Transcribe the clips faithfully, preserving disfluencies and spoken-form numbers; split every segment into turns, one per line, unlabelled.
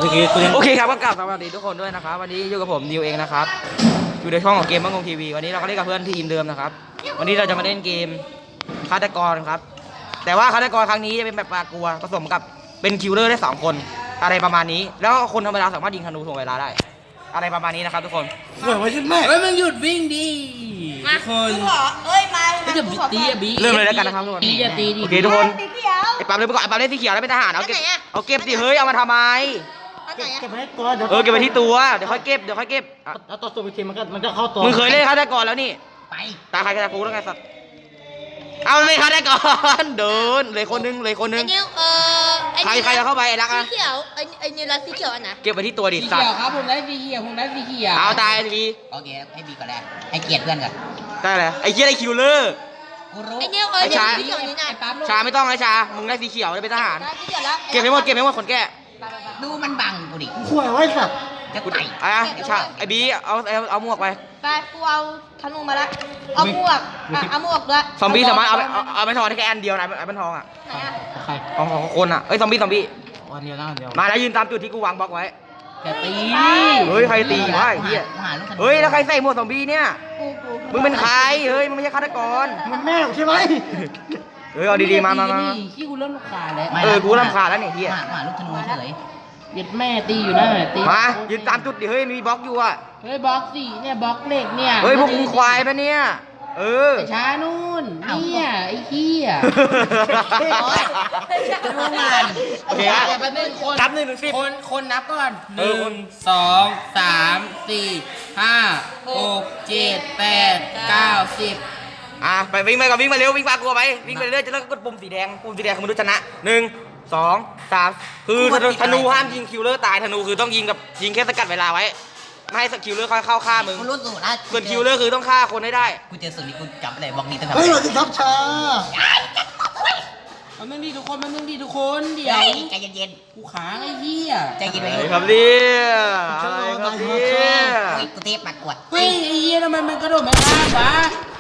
โอเคโอเคครับก็กลับสวัสดีทุกคนด้วยนะครับวันนี้อยู่กับผมนิวเองนะครับอยู่ในช่องของเกมบ้างงทีวีวันนี้เราก็เล่นกับเพื่อนทีมเดิมนะครับวันนี้เราจะมาเล่นเกมฆาตกรครับแต่ว่าฆาตกรครั้งนี้จะเป็นแบบปลากลัวผสมกับเป็นคิลเลอร์ได้สองคนอะไรประมาณนี้แล้วคนธรรมดาสามารถยิงธนูถ่วงเวลาได้อะไรประมาณนี้นะครับทุกคน
เฮ้ยไม่ใช่แม่
เฮ้ยมึงหยุดวิ่งดิ
มา
ทุกคน
กูขอเอ้ยมา
ไม่จะตีอะบี
เริ่มเลยแล้วกันนะครับทุกคน
ตีจะตีดิ
โอเคทุกคน
สีเขียว
ไอ้ปั๊มเลยไปก่อนไอ้ปั๊มเล่นสีเขียวแล้วเป็นทหารเอาเก็บ
แล้วไหนอะ
เอาเก็บสิเฮ้ยเอามาทำไม
อันไหน
เก็บ
อะ
ไว้ให้ตัวเดี๋ยว
เออเก็บไว้ที่ตัวเดี๋ยวค่อยเก็บเดี๋ยวค่อยเก็บอ่ะ
เอาตัวสูบอีกทีมันก็มันก็เข้าตัว
มึงเคยเล่นฆาตกรแล้วนี่
ไป
ตาใครจะกูแล้วไงสัตว์เอาไม่ฆาตกรเดินเลยคนนึงเลยคนนึ
ไอ้
ง
นิวเออไอ้
ใครใครจะเข้าไปไอ้รัก
สี
อะ
เขียวไอ้ไอ้นิวรัสสีเขียวอันไหน
เก็บไว้ที่ตัวดิ
สี
สัต
เขียว
ว์
ครับผมได้สีเขียวผมได้สีเขียว
เอาตายที
โอเคให้บีก่อนแรกให้เกียรติเพื่อนก่อน
ได้เลยไอ้เหี้ยไอ้คิวเลอร์
กูรู้
ไอ้นิวเออ
ไอ้
เดี๋ยว
ชา
สีเขียวนี่นะ
ไอ้ปั๊ม
ชาไม่ต้องนะชามึงได้สีเขียวเลยเป็นทหาร
ได้สีเขียวแล้ว
เก็บให้หมดเก็บให้หมดคนแก่
ดูมันบังกูดิ
ข่วยไว้สัตว์
จะ
กู
ไต่
อ่ะไอ้ชาไอ้บีเอาเอาเอาหมวกไป
ไปกูเอาธนูมาละเอาหมวกอ่ะเอาหมวกด้วย
ซอมบี้สามารถเอาเอาเอาไม่ทองได้แค่อันเดียวนะไอ้เป็นทองอ่ะ
ไหนอะ
ใคร
ของของคนอ่ะเอ้ยซอมบี้ซอมบี้
วันเดียวนะวันเดียว
มาแล้วยืนตามจุดที่กูวางบล็อกไว้
จะตี
เฮ้ยใครตีวะไอ้เหี้ย
หาลูกธนู
เฮ้ยแล้วใครใส่หมวกซอมบี้เนี่ย
กูกู
มึงเป็นใครเฮ้ยมึงไม่ใช่ฆาตกร
มันแม่ใช่ไหม
เฮ้ยเอาดีๆมามามามา
ขี้กูเริ่มรำคาญแล้ว
เออกูรำคาญแล้วเนี่ยเฮีย
หาหาลูกธนูเฉยเย็ดแม่ตีอยู่นั่นแหละตี
มายืนตามจุดดิเฮ้ยมีบล็อกอยู่อ่ะ
เฮ้ยบล็อกสี่เนี่ยบล็อกเหล็กเนี่ย
เฮ้ยพวกมึงควายปะเนี่ยเออ
ไอ้ช้านู่นเนี่ยไอ้เหี้ย
รู้มัน
โอเคฮะ
เดี๋ยวแป๊บนึงคน
นับหนึ่งถึงสิบ
คนคนนับก่อนห
เออ
นึ่
ค
ง
น
สองสามสี่ห้าหกเจ็ดแปดเก้าสิบ
อ่ะไปวิ่งไปก่อนวิ่งมาเร็ววิ่งปากลัวไปวิ่งไปเรื่อยจะเลิกกดปุ่มสีแดงปุ่มสีแดงคือมนุษย์ชนะหนึ่งสองสามคือธนูธนูห้ามยิงคิวเลอร์ตายธนูคือต้องยิงกับยิงแค่สกัดเวลาไว้ไม่ให้คิวเลอร์เข้าเข้าฆ่ามึง
กูรู้สูตรแล้ว
ส่วนคิวเลอร์คือต้องฆ่าคนให้ได้
กูเจอสูตรนี้กูจำอะไรบล็อกนี้ตั้งแต่
เฮ้ยสวัสดีครับชา
มันนึงดีทุกคนมันนึงดีทุกคนเดี๋ยว
ใจเย็น
กูค้างไอ้เหี้ย
ๆใจเย็น
อะ
ไว้
ไร
ลูก
ครับเนี่ยอะไรครับเนี่ย
เฮ้ยกูเทพมากวด
เฮ้ยไอ้เหี้ยทำไมมันกระโดดไม่ข้ามวะ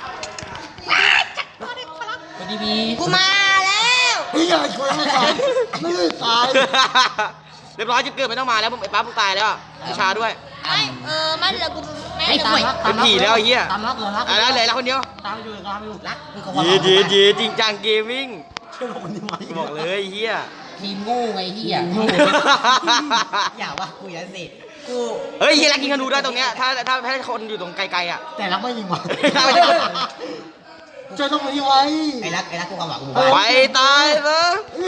สวัสดีบี
กูมาแล้ว
เฮ้ยอย่าช่วยไม่ตายไม่ได้ตาย
เรียบร้อยจุดเกิดไม่ต้องมาแล้วไอ้ปั๊บมึงตายแล้วไอ้ชาด้วย
ไม่เออไม่เดี๋ยวกูไม่
ไอ้
เดี๋ยว
ตาม
กู
รัก
เป็นผีแล้วไอ้เหี้ย
ตามรักเหรอรัก
อ่ะแล้วเหลือแล้วคนเดียว
ตามอยู่ตามอยู่
รักกูก็ว่า
เย่เย่เย่จริงจังเกมมิ่ง
เชื่อผมนี่ไหม
กูบอกเลยไอ้เฮีย
ทีมโง่ไงเหี้ย
อย่าว่ากูอย่างนั้นสิกู
เฮ้ยเฮียรักยิงธนูได้ตรงเนี้ยถ้าถ้าถ้าคนอยู่ตรงไกลๆอ่ะ
แต่รักไม่ยิงว่ะ
ไม่ได้
ช่วยต้องมายิงไว้
ไอ้รักไอ้รักกูความหวังกู
ไปตายซะ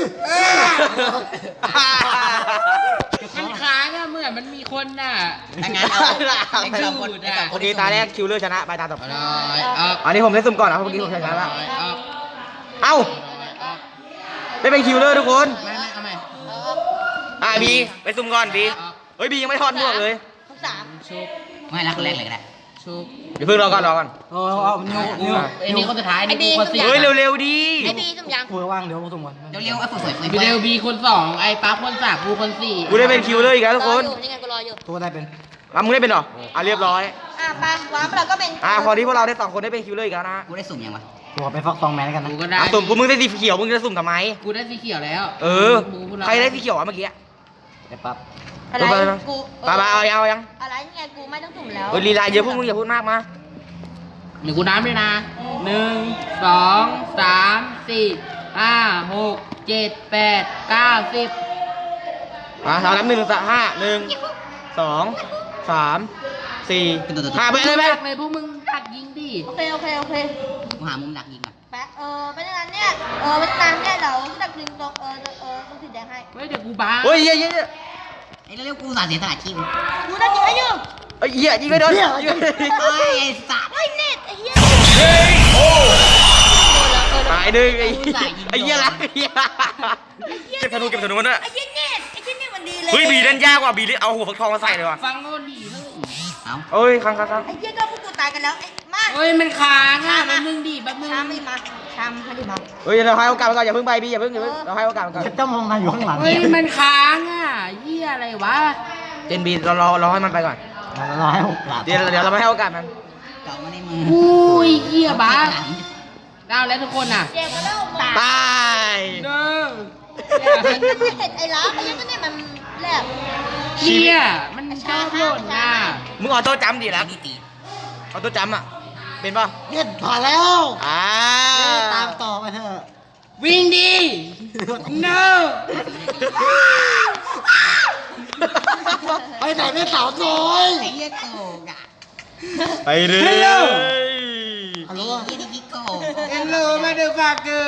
มันค้างอะเหมือนมันมีคนน่ะ
ถ้างั้นเอาไอ้สองคนไอ้สองค
โอน เคตาแรกคิวเลอร์ชนะไปตาต่อไป
เอาเลยเอา
อันนี้ผมได้สุ่มก่อนนะเพราะเมื่อกี้ผมชนะแล้ว
เอา
เอ้า
เอา
ได้เป็นคิวเลอร์ทุกคน
ไม่ไม่เอาไม่
อ่ะบีไปสุ่มก่อนบีเฮ้ยบียังไม่ทอดหมวกเลย
ทุกสาม
ชุบ
ไม่รักคนแรกเลยก็ได้
ชุบ
เดี๋ยวเพิ่งรอก่อนรอก่อน
โอ้เอานิ้วนิ้ว
ไอ้นี่คนสุดท้ายนี่กูคนสี่
เฮ้ยเร็วๆดี
ไอ้บีสมยัง
กูว่างเดี๋ยวผมส่งก่อน
เร็วๆไอ้ผู้สวยสวย
บีเดลบีคนสองไอ้ปั๊บคนสามกูคนสี่
กูได้เป็นคิวเลอร์อีกแล้วทุก
ร
ค
อน อยู่นี่ไงกูรออยู่
ตัวได้เป็น
อ่ะมึงได้เป็นเหรออ่ะเรียบร้อย
อ่ะไปวางเราก็เป็น
อ่ะพอที่พวกเราได้สองคนได้เป็นคิวเลอร์อีกแล้วนะ
กูได้สุ่มยังวะ
กูขอไปฟักซองแมนกันนะ
กูก็ได้
อ่ะสุ่มกูมึงได้สีเขียวมึงจะสุ่มทำไม
กูได้สีเขียวแล้ว
เออ
กูกูรับ
ใครได้สีเขียวอ่ะเมื่อกี้
เดี๋ยวปั๊บ
อะไร
ไปไปไป
กู
ไปไปเอายังเอายัง
อะไรนี่ไงกูไม่ต้องสุ่มแล้ว
เฮ้ยลีลาเยอะพวกมึงอย่าพูดมากมา
หนึ่งกูน้ำด้วยนะหนึ่งสองสามสี่ห้าหกเจ็ดแปดเก้าสิบ
อ่ะสามนับหนึ่งสามห้าหนึ่งสองสามสี่ห้าไปเลยไป
ดักเลยพวกมึงดักยิงดิ
โอเคโอเคโอเค
กูหามุมดักยิงก่อน
แปะเออเป็นอย่างนั้นเนี่ยเออเป็นอย่างนั้นเนี่ยเราดักดึงตรงเออเออตรงสีแดงให้
เฮ้ยเดี๋ยวกูบ้า
เฮ้ยเหี้ยเหี้ยเหี้ย
ไอ้เร็วๆกูสาเสียสละชีพ
กูได้ยิงให้อยู่
เฮ้ยเหี้ยยิงไม่โดนยิงไม่โดน
เฮ้ยไอ้สัตว์
ไอ้เน็ตไอ้เหี้ย
ตายหนึ่งไอ้ไอ้เหี้ยละไอ้เหี้ยเก็บธนูเก็บธนูมันด้วย
ไอ้เหี้ยเน็ตไอ้เหี้ยเน็ตมันดีเลย
เฮ้ยบีเล่นยากกว่าบีเอาหัวฟักทองมาใส่เลยว่ะ
ฟังโน่นดีเลย
เอ้า
เอ้ยครั้งครั้งครั้ง
ไอ้เหี้ยก็พวกกูตายกันแล้วไอ้มา
เฮ้ยมันค้างอ่ะแป๊บนึงดิแป๊บนึง
ชามไม่มาชามให้ดิมา
เฮ้ยเราให้โอกาสมันก่อนอย่าเพิ่งไปบีอย่าเพิ่งอย่าเพิ่งเราให้โอกาสมันก่อน
เจ้ามองนายอยู่ข้างหลัง
เฮ้ยมันค้างอ่ะเหี้ยอะไรวะ
เจนบีเรารอเราให้มันไปก่อน
เราให้โอกาส
เดี๋ยวเดี๋ยวเราไม่ให้โอกาสมัน
เจาะมาในมือ
อุ้ยเหี้ยบ้าเอาแล้วทุกคนอ่ะ
เจ๊ก็เล่ามา
ตาย
เด้อ
ไอ้เน็ตไอ้ล้าไอ้เหี้ยก็เน็ตมันแหลบ
เนี่ยมันชอบหล่นน่ะ
มึงออโต้จำดิละ
นี่ตี
ออโต้จำอ่ะเป็นป่ะ
เนี่ยผ่านแล้ว
อ่า
ตามต่อไปเถอะ
วิ่งดิ no
ไปไหนไม่สาวน้อย
ไอ้เหี้ยโกงอ่ะ
ไปเลย
ฮัลโหล
ไอ้เหี้ยนี่โกง
hello motherfucker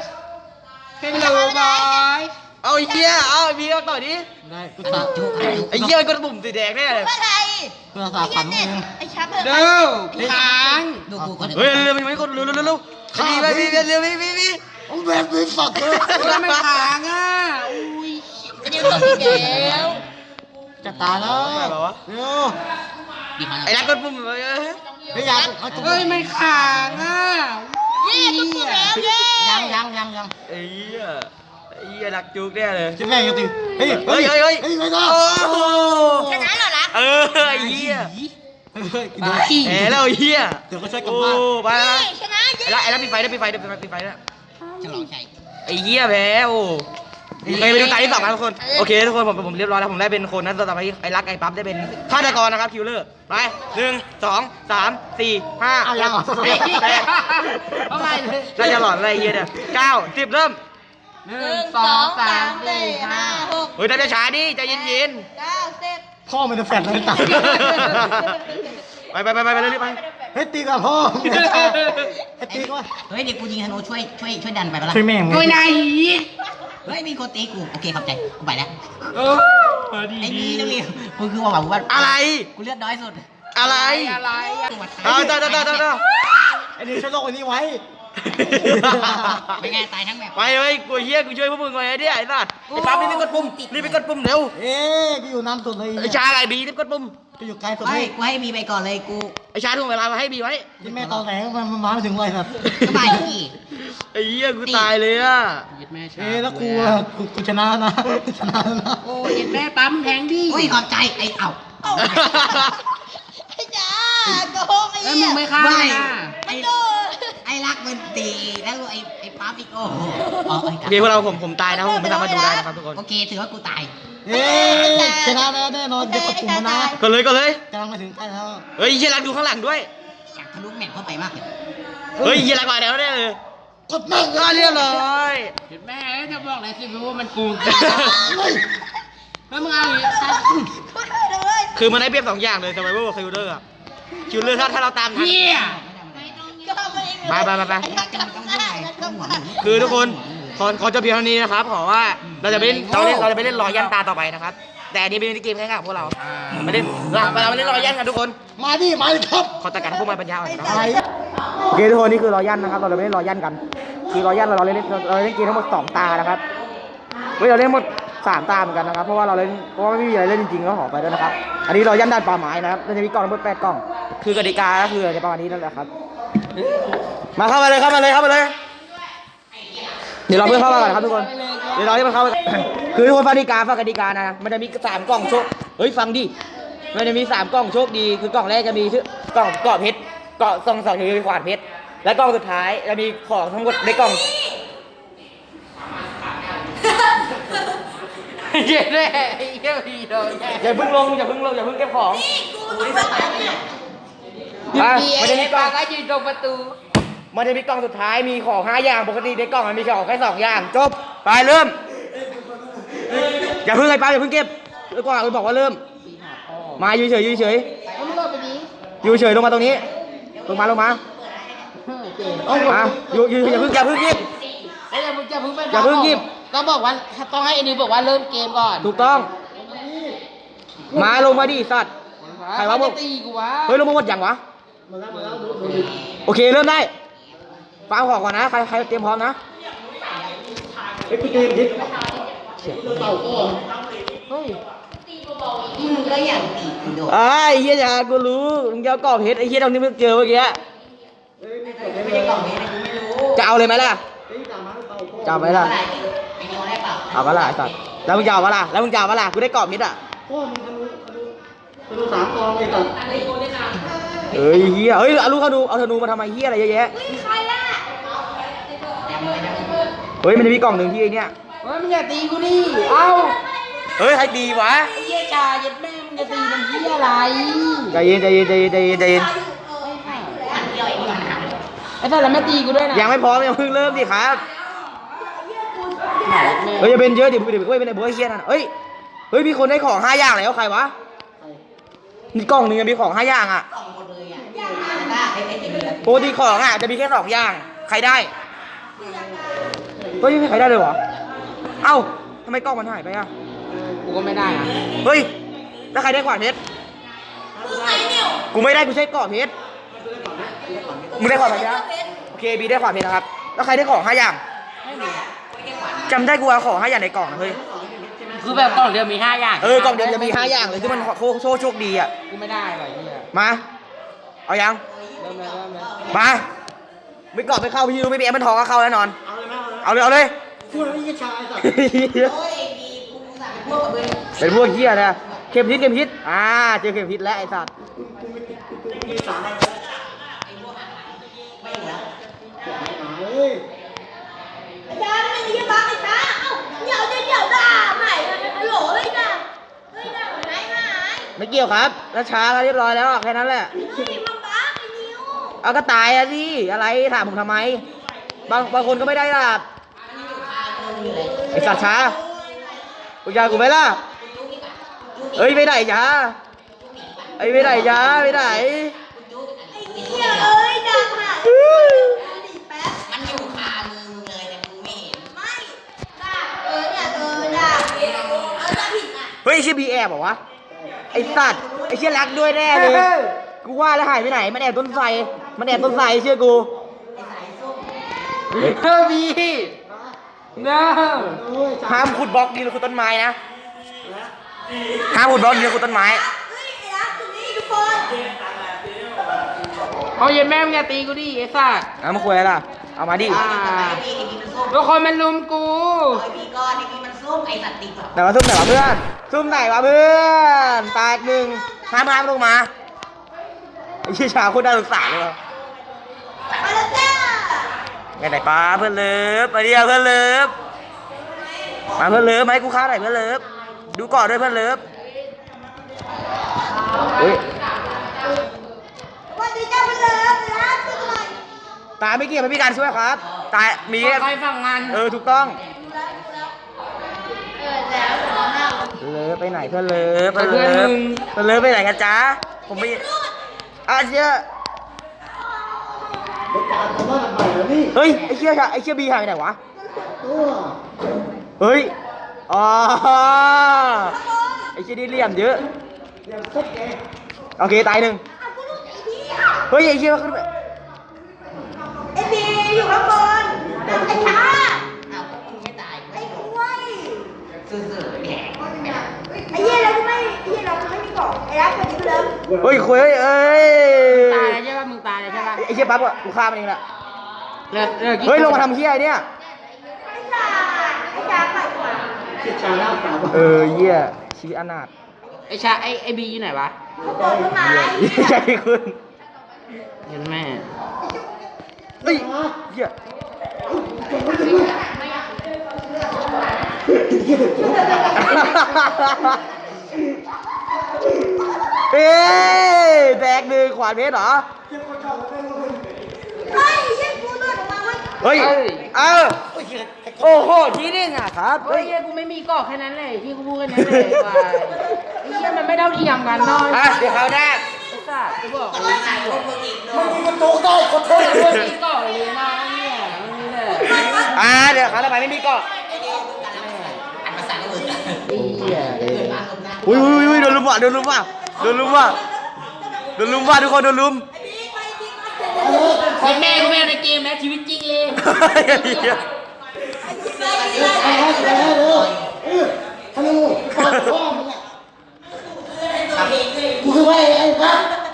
hello boy
เอาไอ้เหี้ยเอาไอ้พี่เอาต่อดิ
ได้กูตาจุก
ไอ้เหี้ยมันกดปุ่มสีแดงแน่เลย
อะไร
เพื่อสาฝันมึง
ไอ้ชับเถอะ
เด้อค้าง
ดูกูคน
เฮ้ยเร็วมันไม่กดเร็วเร็วเร็วเร็วพี่ไปพี่เร็วพี่พี่พี่
โอ้แบบไม่ฝักเลย
เฮ้ยไม่ค้างอ่ะอุ้ย
จะเดี๋ยวตัวสีแดง
จะตายแล้ว
ไปแบบวะ
เร็ว
ดีมาก
ไอ้รักกดปุ่มเลย
เฮ้ยยังเขาจุก
เฮ้ยไม่ค้างอ่ะ
เย้ตุ๊กตุ๊กแล้วเย้
ยังยังยังยัง
ไอ้เหี้ยไอ้เหี้ยรักจุกแน่เลย
จิ้มแม่งยังตีเฮ้ย
เฮ้ยเฮ้ยเฮ้ย
เฮ้ยไม่ได้
โอ้โห
ชนะเหรอรัก
เออไอ้เหี้ย
เฮ้ย
ไป
แหมแล้วไอ้เหี้ย
เดี๋ยวก็ช่วยกลับ
โอ้
บ้าน
ไปละ
นี่ชนะเย้
ไอ้รักไอ้รักปิดไฟได้ปิดไฟได้ปิดไฟปิดไฟได้
ฉลองชัย
ไอ้เหี้ยแพ้โอ้ไปไปดูตาที่สองกันทุกคนโอเคทุกคนผมผมเรียบร้อยแล้วผมได้เป็นคนนั้นต่อไปไอ้รักไอ้ปั๊บได้เป็นฆาตกรนะครับคิวเลอร์ไปหนึ่งสองสามสี่ห้า
เอายัง
เจ็ดแปด
เอาไปเลย
น่าจะหลอนอะไรเหี้ยเนี่ยเก้าสิบเริ่ม
ห
ห
นึ่
นึ่
ง
ง
ส
ส
อ
อง ง
สา
สาม ม
สี่
สี่
ห้า
ห้าหก
เฮ้ยทำช้าๆดิใจเย็น
เก้าสิบ
พ่อมันจะแฟดเลยตาย
ๆไปไปไปไปไปเรื่อยๆไป
เฮ้ยตีกับพ่อไอ้ตีก็
เฮ้ยเดี๋ยวกูยิงธนูช่วยช่วยช่วยดันไปปะล่ะ
ช่วยแม่ง
โอ้ยนาย
เฮ้ยมีคนตีกูโอเคขอบใจกูไปแล้ว
เออดี
ไอ้
ดี
นี่ต้องมีมึงคือว่าแบบว่า
อะไร
กูเลือดน้อยสุด
อะไร
อะไรอะ
เอาต่อต่อต่อต่อต่อ
ไอ้นี่ช่วยโลกอันนี้ไว้
ไม่ง่ายตายทั้งแบบ
ไปเฮ้ยกูเฮียกูช่วยพวกมึงไว้ไอ้เนี่ยไอ้สัตว์ไอ้ปั๊บรีบไปกดปุ่มรีบไปกดปุ่มเร็ว
เอ๊ะกูอยู่น้ำสุดเลย
ไอ้ชาไอ้บีรีบกดปุ่ม
กูอยู่ไกลสุด
ไม่
เลย
กูให้มีไปก่อนเลยกู
ไอ้ชาทุ่งเวลามาให้บีไว้
ที่แม่ตอนไหนมันมันมาไม่ถึงเลยครับ
ก็บายที่
ไอ้เหี้ยกูตายเลยอ่ะ
ยึดแม่ชา
เอ๊ะแล้วกูอะกูกูชนะแล้วนะชนะแล้วนะ
โอ้ยยึดแม่ปั๊มแทงดิ
อุ้ยขอบใจไอ้เอ้า
ไอ้จ้าโกงไอ้
แล้ว
เหี้
มึ
ย
งไม่ฆ่า
ไม่
นะ
ไอ้
โดน
ไอ้รักมันตีแล้วไอ้ไอ้ปั๊บอีกโอ้โหอ๋อไอ้
โอเคพวกเราผมผมตายนะผมไม่สามารถดูได้นะครับทุกคน
โอเคถือว่ากูตาย
เอ๊ะชนะแล้วแน่นอนเดี๋ยวกดปุ่มนะ
ก็เลยก็เลย
กำลังมาถึงใกล้แล้ว
เฮ้ยเฮียรักดูข้างหลังด้วย
อยากทะลุแมปเข้าไปมากเลย
เฮ้ยเฮียรักมาแล้วแน่เลย
กดแม่ง
ก็เรียบร้อย
ยึดแม่จะบอกอะไรสิว่ามันกูแล้วมึงเอาอีก
กูช่วยเลย
คือมันได้เปรียบสองอย่างเลย survival กับ killer อะ killer ถ้าถ้าเราตามทัน
เฮีย
ก็ทำเอง
ไปไปไปไป
ไอ้ชักกับข้าแล้วก็มา
คือทุกคนขอขอจบเพียงเท่านี้นะครับขอว่าเราจะไปเล่นเราเล่นเราจะไปเล่นรอยันตาต่อไปนะครับ แต่อันนี้เป็นเกมแค่กับพวกเราไม่ได้เราเราไม่เล่นรอยันกันทุกคน
มาดิมาดิครับ
ขอตัดการพวกมันปัญญาอ่อนนะ
อะไร
โอเคทุกคนนี่คือรอยันนะครับ เราจะไม่เล่นรอยันกัน คือรอยันเราเราเล่นเราเล่นเกมทั้งหมดสองตานะครับเฮ้ยเราเล่นหมดสามตาเหมือนกันนะครับ เพราะว่าเราเล่นเพราะว่าไม่มีอะไรเล่นจริงๆก็ขอไปด้วยนะครับ อันนี้รอยันด้านป่าไม้นะครับเราจะมีกล่องทั้งหมดแปดกล่อง คือกติกาก็คือจะประมาณนี้นั่นแหละครับ มาเข้ามาเลยเข้ามาเลยเข้ามาเลย เดี๋ยวเราเพื่อนเข้ามาก่อนครับทุกคน เดี๋ยวเราให้มันเข้า คือทุกคนฟังกติกาฟังกติกานะ มันจะมีสามกล่องโชค เฮ้ยฟังดิ มันจะมีสามกล่องโชคดี คือกล่องแรกจะมีชื่อกล่องเกาะเพชร เกาะซองสองคือขวานเพชร และกล่องสุดท้ายจะมีของทั้งหมดในกล่อง
เย็ดแม่เฮียพีโดนแย่
อย่าเพิ่งลงอย่าเพิ่งลงอย่าเพิ่งเก็บของอ่ะ
ดี
มัน
ไอ้
จะมีกล่
ปา
อง
ก็ยืนตรงประตู
มันจะมีกล่องสุดท้ายมีของห้าอย่างปกติในกล่องมันมีของแค่สองอย่างจบไปเริ่มอย่าเพิ่งไอ้ป้าอย่าเพิ่งเก็บแล้วก็บอกว่าเริ่ม มาอยู่เฉยอยู่เฉย
มึงโดนไปดิ
อยู่เฉยลงมาตรงนี้ลงมาลงมามาอยู่อยู่อย่าเพิ่งอย่าเพิ่งหยิบ
ไอ้อย่ามึงอย่าเพิ่งไป
อย่าเพิ่งหยิบ
ต้องบอกว่าต้องให้ไอ้นิวบอกว่าเริ่มเกมก่อน
ถูกต้อง มาลงมาดิสัตว์ ใครวะมึง
จะตีกูวะ
เฮ้ยลงมาหมดยังวะโอเคเริ่มได้ฟังของก่อนนะใครใครเตรียมพร้อมนะ
เฮ้ยกูเจอยิง
เฮ้ย
มึงก็อย่างตีกูโดน
ไอ้เหี้ยอย่ากูรู้มึงจะเอากรอบเพชรไอ้เหี้ยตรงนี้มึงเจอเมื่อกี้
ไม่ใช่กล่องนี้นะกูไม่รู้
จะเอาเลยไหมล่ะจะเอาไหมล่ะ
อะไรไอ้นิวได้เปล่า
เอาปะล่ะไอ้สัตว์แล้วมึงจะเอาปะล่ะแล้วมึงจะเอาปะล่ะกูได้กรอบเพชรอ่ะ
พ่อมึงทะลุทะลุทะลุสามกองเลยก่อน
เอ้ยเหี้ยเฮ้ยเอาลูกเขาดูเอาธนูมาทำไมเหี้ยอะไรเยอะแยะ
ใครล่ะ
เฮ้ยมันจะมีกล่องหนึ่งที่ไอ้เนี่ย
เฮ้ยมึงอย่าตีกูดิเอ้า
เฮ้ยใครดีวะ
ไอ้เหี้ยจ่าเย็ดแม่มึงจะตีมันเหี้ยอะไร
ใจเย็นใจเย็นใจเย็นใจเย็นใจเย็น
ไอ้สัตว์แล้วไม่ตีกูด้วยนะ
ยังไม่พร้อมยังเพิ่งเริ่มดิครับ
ไหนแม่
เฮ้ยอย่าเป็นเยอะเดี๋ยวเดี๋ยวเฮ้ยเป็นไอ้โบ้ยเฮียนั่นเฮ้ยเฮ้ยมีคนได้ของห้าอย่างแล้วใครวะมีกล่องหนึงมีของห้าอย่างอ่ะ
สองหมดเลยอ่ะได้ไอ้ไอ้เดียว
ปกติของอ่ะจะมีแค่สองอย่างใครได้เฮ้ยไม่มีใครได้เลยเหรอเอ้าทำไมกล้องมันหายไปอ่ะ
กูก็ไม่ได้อะ
เฮ้ยแล้วใครได้ขวานเพชรกูไม่ได้กูใช้กรอบเพชรมึงได้ขวานเพชรนะโอเคบีได้ขวานเพชรนะครับแล้วใครได้ของห้าอย่างจำได้กูเอาของห้าอย่างในกล่องนะเฮ้ย
คือแบบกล่องเดียวมีห้าอย่าง
เออกล่องเดียวจะมีห้าอย่างเลยที่มันโคโชคโชคดีอ่ะ
กูไม่ได้หรอกไอ้เหี้ย
มาเอายัง
เริ่มเลยเริ่มเลย
มาไม่กรอบไม่เข้าพี่รู้ไม่มีแอปมันทองก็เข้าแน่นอน
เอาเลยไหม
เอาเลยเอาเลย
พูดแล้วไม่ใช่ชายสัตว์
โอ้ยดีกูสั่งเป็นพวกกับมึง
เป็นพวกเฮียนะเข็มทิศเข็มทิศอ่าเจอเข็มทิศแล้วไอ้สัตว์
มีสาม
ไม่เหลือ
เฮ้ย
อาจารย์ไม่ได้บักไอ้ช้าเอ้าเดี๋ยวเดี๋ยวเดี๋ยวด่าใหม่ฮัลโหลเฮ้ยด่าเฮ้ยด่าหายหาย
ไม่เกี่ยวครับแล้วช้าแล้วเรียบร้อยแล้วแค่นั้นแหละ
เฮ้ยมันบักไอ้นิ้ว
เอาก็ตายอะสิอะไรถามผมทำไม บางบางคนก็ไม่ได้ล่ะไอสัตว์ช้ากูยากูไหมล่ะเอ้ยไปไหนจ้าไอ้ยไปไหนจ้าไปไหน
ไอ้เหี้ยเอ้ยด่าหายดิแป๊บ
มันอยู่คามือมึงเลยแต่มึงไม่เห็น
ไม่ด่าเออเนี่ยเออด่าเออด่าผิดอ่ะ
เฮ้ยไอ้เชี่ยบีแอบเหรอวะไอสัตว์ไอเชี่ยรักด้วยแน่เลยกูว่าแล้วหายไปไหนมันแอบต้นไทรมันแอบต้นไทรเชื่อกู
เฮ้ยพี่เน้อ
โอ้ย
ห้ามขุดบล็อกดินหรือขุดต้นไม้นะห้ามขุดบล็อกดินหรือขุดต้นไม้
เฮ้ยไอ้รักตรงนี้ทุกคน
เอาเย็ดแม่มึงอย่าตีกูดิไอ้สัตว์
เอามาคุยอะไรล่ะเอามาดิ
อ่า
ไอ้พี่ไอ้พี่มันส้ม
ทุกคนมันลุมกู
ไอ้พี่ก้อนไอ้พี่มันส้มไอ้สัตว์ติดแบบ
ไหนวะซุ่มไหนวะเพื่อนซุ่มไหนวะเพื่อนตายหนึ่งห้ามห้ามลงมาไอ้เชี่ยชาโคตรน่าสงสารเลยวะ
มาแล้วจ้า
ไงไหนป้าเพื่อนเลิฟมาเดียวเพื่อนเลิฟมาเพื่อนเลิฟมาให้กูฆ่าหน่อยเพื่อนเลิฟดูก่อนด้วยเพื่อนเลิฟเฮ้ย
วันนี้เจ้าไปเลยรักช่วยหน่อย
ตาไม่เกี่ยวไม่มีการช่วยครับตายมี
ใครฝั่งงาน
เออถูกต้อง
เออแล้วเดี๋ยวเรา
เลิฟไปไหนเพื่อนเลิฟเพื่อนเลิฟเพื่อนเลิฟไปไหนกันจ๊ะผมไม่อาเชี่ย
เด็กการทำบ้านใหม่แล้วนี่
เฮ้ยไอ้เชี่ยไอ้เชี่ยบีหายไปไหนวะ
ตัว
เฮ้ยอ๋อไอ้เชี่ยนี่เหลี่ยมเยอะ
เดี๋ยวเซ็ตแก
โอเคตายหนึ่ง
เอากูรู้ไอ้พี่
เฮ้ยไอ้เชี่ยขึ้นไป
ไอ้บีอยู่ข้างบนไอ้ช้า
อ้าวมึงไม่ตาย
ไอ้
ไม่
กล้วย
ซื่อๆแหก
ไอ้เหี้ยเราไม่ไอ้เหี้ยเราไม่มีกล่องไอ้รักคนนี้ไปเลย
เฮ้ยคุยเฮ้ยเอ้ย
ตายแล้วใช่ป่ะมึงตายแล้วใช่ป่ะ
ไอ้เชี่ยปั๊บอะกูฆ่ามันเองแหละ
เลิกเลิก
เฮ้ยลงมาทำเชี่ยไอ้เนี่ย
ไอ้จ่าไอ้จ่าไปกว่า
เชี่ยชาหน้าสาว
เออเหี้ยชีวิตอนาถ
ไอ้ชาไอ้ไอ้บีอยู่ไหนวะ
เขาบอกต้นไม้
ใช่คุณ
เห็นแม่
เฮ้ยเหี้ยเอ๊ะแดกหนึ่งขวานเพชรเหรอ
เฮ้ยเหี้ยกูเลือดออกมาเว้ย
เฮ้ย เออโอ้โหทีนึงอ่ะครับ
เฮ้
เฮ้
ย
ย
เหี้ยกูไม่มีกรอกแค่นั้นเลยที่กูพูดแค่นั้นเลยว่าไอ้เหี้ยมันไม่เท่าเทียมกันน้อย
อ่ะเดี๋ยวเขาวหน้า
ไอ้สัตว์กูบอก
ก็
เล
ต้อย งตายพวกมึงอีกเนาะ
มึงมันโตได้ขอโทษ
ไอ้พวกนี้กรอกเลยนะเนี่ยมันนี่แหละ
อ่าเดี๋ยวเขาวทำไมไม่มีเกาะ
อันภาษาอื่น
ไอ้เหี้ย
เกิดมาลงน้ำ
อุ้ยอุ้ยอุ้ยโดนลุมว่ะโดนลุมว่ะโดนลุมว่ะโดนลุมว่ะทุกคนโดนลุม
ไอ้แม่กูไม่เอาในเกมแม้ชีวิตจริงเลย
ไปให้ไปให้เร็วเออฮัลโหลปากพ่อมึงอ่ะกูคือว่าไอ้ไอ้ครับ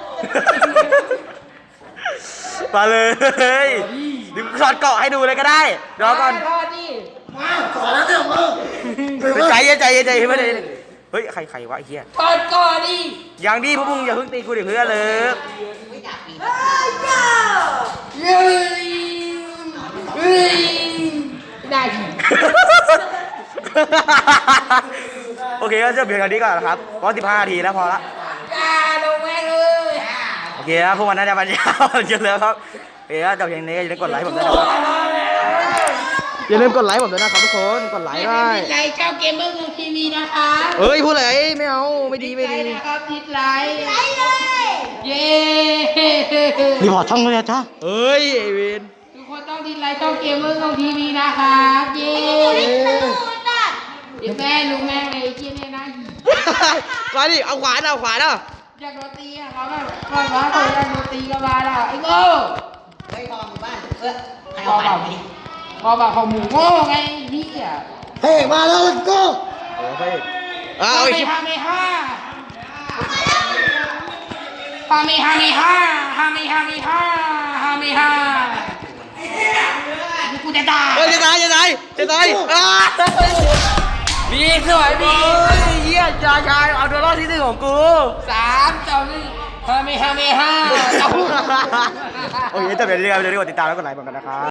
มาเลยเดี๋ยวสอดเกาะให้ดูเลยก็ได้รอก่อน
รอดิ
มาสอนแล้วเนี่ยมึง
ใจเย็นใจเย็นใจเย็นไม่ได้เฮ้ยใครใครวะไอ้เหี้ย
กอดก่อนดิ
อย่างดีพวกมึงอย่าเพิ่งตีกูดิเพื่อนเลย
ไม่อยากปีน
เฮ้ยจ้า
เฮ้ยเฮ้ยได้ดิ
โอเคก็จะเพียงเท่านี้ก่อนนะครับเพราะสิบห้านาทีแล้วพอละ
อ่าลงแม่งเลย
โอเคครับพวกมันน่าจะมันยาวเยอะแล้วครับโอเคครับจบเพียงนี้อย่าลืมกดไลค์ผมด้วยนะครับอย่าลืมกดไลค์ผมด้วยนะครับทุกคนกดไลค์ได้
ดิสไลค์เจ้าเกมเมอร์ของทีวีนะคะ
เอ้ยพูดอะไรไม่เอาไม่ดีไม่ดี
ดิสลค์นะครับดิสไลค์
ไปเลย
เย้
รีพอร์ตช่องเลยจ้า
เอ้ยไอเวน
ทุกคนต้องดิสไลค์เจ้าเกมเมอร์ของทีวีนะครับเย้
นี่ตูดอ่ะ
เดี๋ยวแม่รู้แม่งเลยไอ้เกี้ยเนี่ยนะ
มาดิเอาขวานเอาขวานเอา
อยากโดนตีอะเขาแบบก่อนว่าเขาอยากโดนตีก็มาแล้วไอ้โง่
เฮ้ยพอหมู่บ้านเออให้เอาไปดิ
พอแบบของหมูโง่ไงพี่อ่ะ
เฮ้ยมาแล้วก็
โอ้ยเอา
ฮา
อี
เม
ก
ฮาเมฮ่าฮาเมฮาเมฮ่าฮาเมฮาเมฮ่าฮาเมฮ่ากูจะตาย
เฮ้ยจะตายจะตายจะตายอ้าบีสวยบีเยี่ยชายชายเอาตัวรอดที่หนึ่งของกู
สามสองหนึ่งฮาเมฮาเมฮ่า
โอเคจบเดี๋ยวนี้ครับเดี๋ยวนี้กดติดตามแล้วกดไลค์ผมกันนะครับ